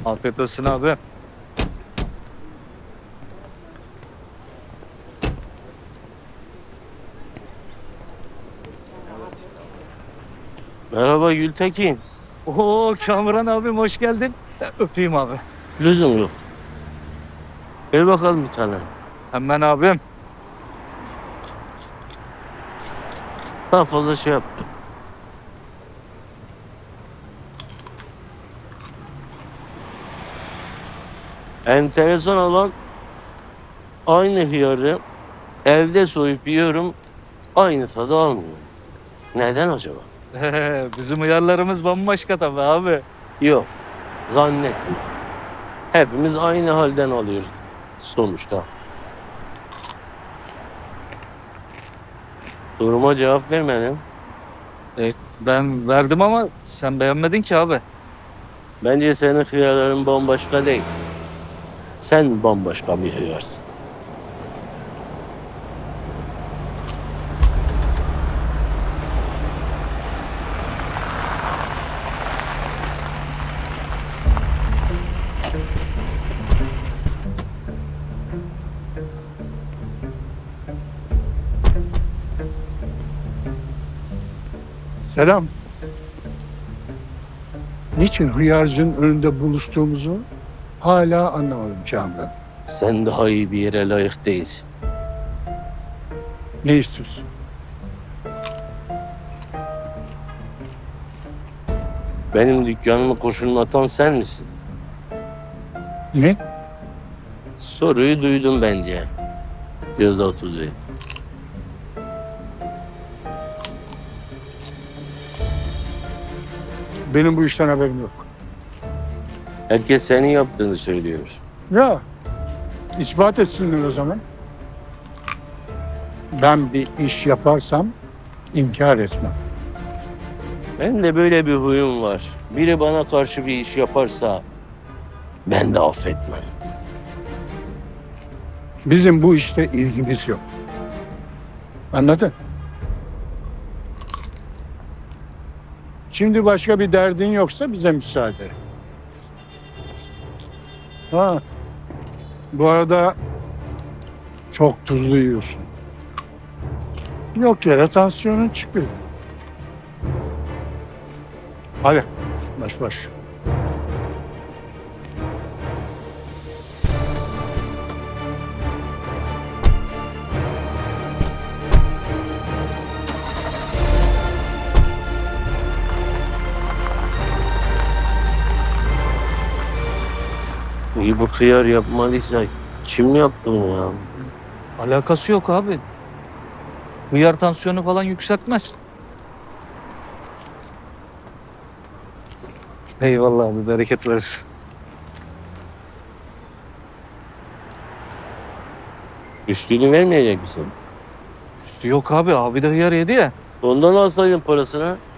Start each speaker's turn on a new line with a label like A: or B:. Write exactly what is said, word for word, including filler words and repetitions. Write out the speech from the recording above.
A: Afiyet olsun abi.
B: Merhaba Gültekin.
A: Oo Kamuran abim hoş geldin. Öpeyim abi.
B: Lüzum yok. Ver bakalım bir tane.
A: Hemen abim.
B: Daha fazla şey yap. Enteresan olan aynı hıyarı evde soyup yiyorum. Aynı tadı almıyorum. Neden acaba?
A: Bizim uyarlarımız bambaşka tabii abi.
B: Yok. Zannetmiyorum. Hepimiz aynı halden alıyoruz sonuçta. Soruma cevap vermedim.
A: E, ben verdim ama sen beğenmedin ki abi.
B: Bence senin hıyarların bambaşka değil. Sen bambaşka bir hıyarsın.
C: Selam. Niçin hıyarcının önünde buluştuğumuzu hala anlamadım Kamran.
B: Sen daha iyi bir yere layık değilsin.
C: Ne istiyorsun?
B: Benim dükkanımı kurşunlatan sen misin?
C: Ne?
B: Soruyu duydum bence. Göz oturdu.
C: Benim bu işten haberim yok.
B: Herkes senin yaptığını söylüyor.
C: Ya, ispat etsinler o zaman. Ben bir iş yaparsam inkar etmem.
B: Benim de böyle bir huyum var. Biri bana karşı bir iş yaparsa ben de affetmem.
C: Bizim bu işte ilgimiz yok. Anladın? Şimdi başka bir derdin yoksa bize müsaade. Ha. Bu arada çok tuzlu yiyorsun. Yok yere tansiyonun çıkıyor. Hadi baş baş.
B: İyi bu hıyar yapmadıysa kim yaptı bunu ya?
A: Alakası yok abi. Hıyar tansiyonu falan yükseltmez. Eyvallah abi bereket versin.
B: Üstünü vermeyecek misin?
A: Üstü yok abi. Abi de hıyar yedi ya.
B: Ondan alsaydın parasını.